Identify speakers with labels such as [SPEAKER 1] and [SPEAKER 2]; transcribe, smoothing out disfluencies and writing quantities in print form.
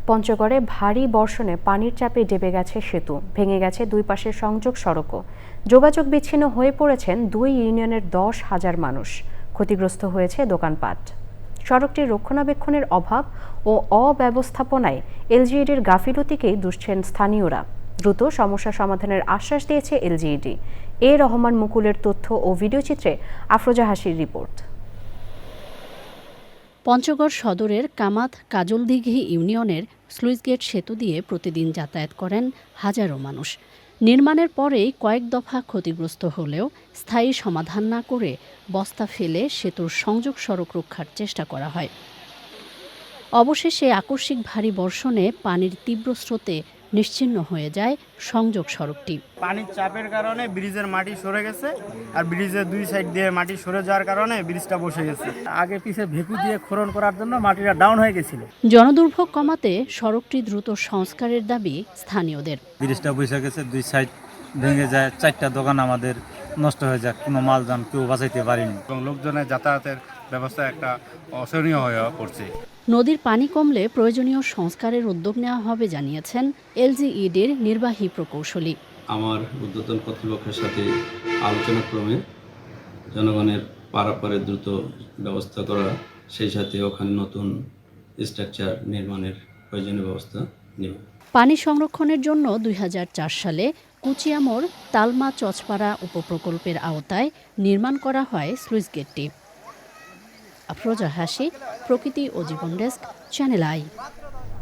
[SPEAKER 1] পঞ্চগড়ে ভারী বর্ষণে পানির চাপে ডেবে গেছে সেতু, ভেঙে গেছে দুই পাশের সংযোগ সড়কও। যোগাযোগ বিচ্ছিন্ন হয়ে পড়েছেন 2 ইউনিয়নের 10,000 মানুষ। ক্ষতিগ্রস্ত হয়েছে দোকানপাট। সড়কটির রক্ষণাবেক্ষণের অভাব ও অব্যবস্থাপনায় এলজিইডির গাফিলতিকেই দুষছেন স্থানীয়রা। দ্রুত সমস্যা সমাধানের আশ্বাস দিয়েছে এলজিইডি। রহমান মুকুলের তথ্য ও ভিডিওচিত্রে আফরোজা হাসির রিপোর্ট।
[SPEAKER 2] পঞ্চগড় সদরের কামাত কাজলদিঘি ইউনিয়নের স্লুইসগেট সেতু দিয়ে প্রতিদিন যাতায়াত করেন হাজারো মানুষ। নির্মাণের পরেই কয়েক দফা ক্ষতিগ্রস্ত হলেও স্থায়ী সমাধান না করে বস্তা ফেলে সেতুর সংযোগ সড়ক রক্ষার চেষ্টা করা হয়। অবশেষে আকস্মিক ভারী বর্ষণে পানির তীব্র স্রোতে নিশ্চিহ্ন হয়ে যায় সংযোগ সড়কটি।
[SPEAKER 3] পানির চাপের কারণে ব্রিজের মাটি সরে গেছে, আর ব্রিজের দুই সাইড দিয়ে মাটি সরে যাওয়ার কারণে ব্রিজটা বসে গেছে।
[SPEAKER 4] আগে পিছে ভেকু দিয়ে খনন করার জন্য মাটিটা ডাউন হয়ে গেছিল।
[SPEAKER 2] জনদুর্ভোগ কমাতে সড়কটি দ্রুত সংস্কারের দাবি স্থানীয়দের।
[SPEAKER 5] ব্রিজটা বসে গেছে, দুই সাইড ভেঙে যায়, 4টা দোকান আমাদের নষ্ট হয়ে যায়, কোনো মালযান কেউ বাঁচাইতে পারিনি
[SPEAKER 6] এবং লোকজনের যাতায়াতের ব্যবস্থা একটা অসহনীয় হয়ে পড়ছে।
[SPEAKER 2] নদীর পানি কমলে প্রয়োজনীয় সংস্কারের উদ্যোগ নেওয়া হবে জানিয়েছেন এলজিইডির নির্বাহী প্রকৌশলী।
[SPEAKER 7] আমার ঊর্ধ্বতন কর্তৃপক্ষের সাথে আলোচনা ক্রমে জনগণের পারাপারে দ্রুত ব্যবস্থা করা, সেই সাথে ওখানে নতুন স্ট্রাকচার নির্মাণের প্রয়োজনীয় ব্যবস্থা নেব।
[SPEAKER 2] পানি সংরক্ষণের জন্য 2004 সালে কুচিয়ামোড় তালমা চচপাড়া উপপ্রকল্পের আওতায় নির্মাণ করা হয় স্লুইসগেটটি। আফরোজা হাসি, প্রকৃতি ও জীবন ডেস্ক, চ্যানেল আই।